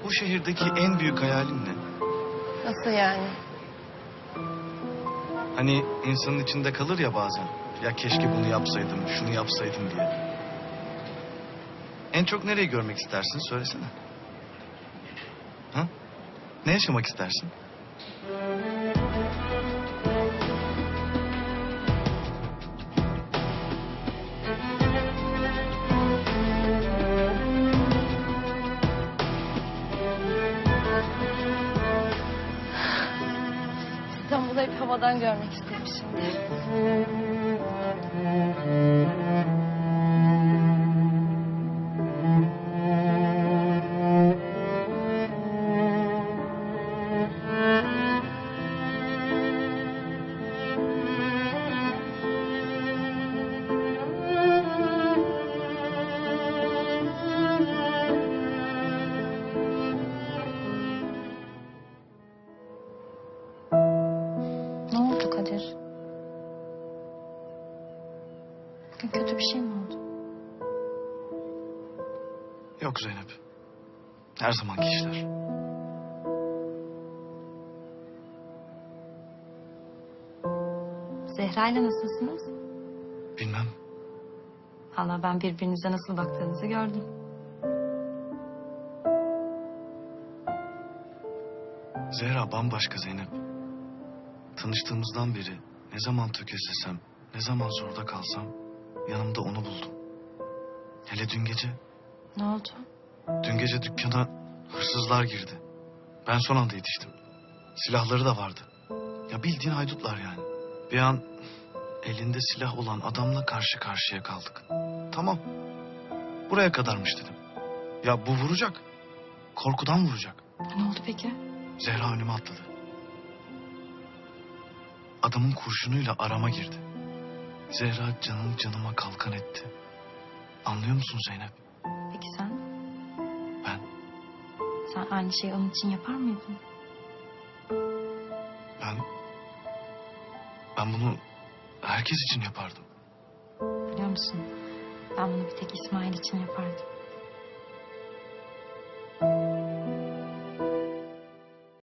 bu şehirdeki en büyük hayalin ne? Nasıl yani? Hani insanın içinde kalır ya bazen. Ya keşke bunu yapsaydım, şunu yapsaydım diye. En çok nereyi görmek istersin söylesene. Ha? Ne yaşamak istersin? İstanbul'u hep havadan görmek isterim şimdi. Ne oldu Kadir? Bugün kötü bir şey mi oldu? Yok Zeynep. Her zamanki işler. Zehra'yla nasılsınız? Bilmem. Valla ben birbirinize nasıl baktığınızı gördüm. Zehra bambaşka Zeynep. Tanıştığımızdan beri ne zaman tökezlesem, ne zaman zorda kalsam yanımda onu buldum. Hele dün gece. Ne oldu? Dün gece dükkana hırsızlar girdi. Ben son anda yetiştim. Silahları da vardı. Ya bildiğin haydutlar yani. Bir an elinde silah olan adamla karşı karşıya kaldık. Tamam. Buraya kadarmış dedim. Ya bu vuracak. Korkudan vuracak. Ne oldu peki? Zehra önüme atladı. Adamın kurşunuyla arama girdi. Zehra canını canıma kalkan etti. Anlıyor musun Zeynep? Peki sen? Ben, Sen aynı şeyi onun için yapar mıydın? ben... Ben bunu herkes için yapardım. Biliyor musun? Ben bunu bir tek İsmail için yapardım.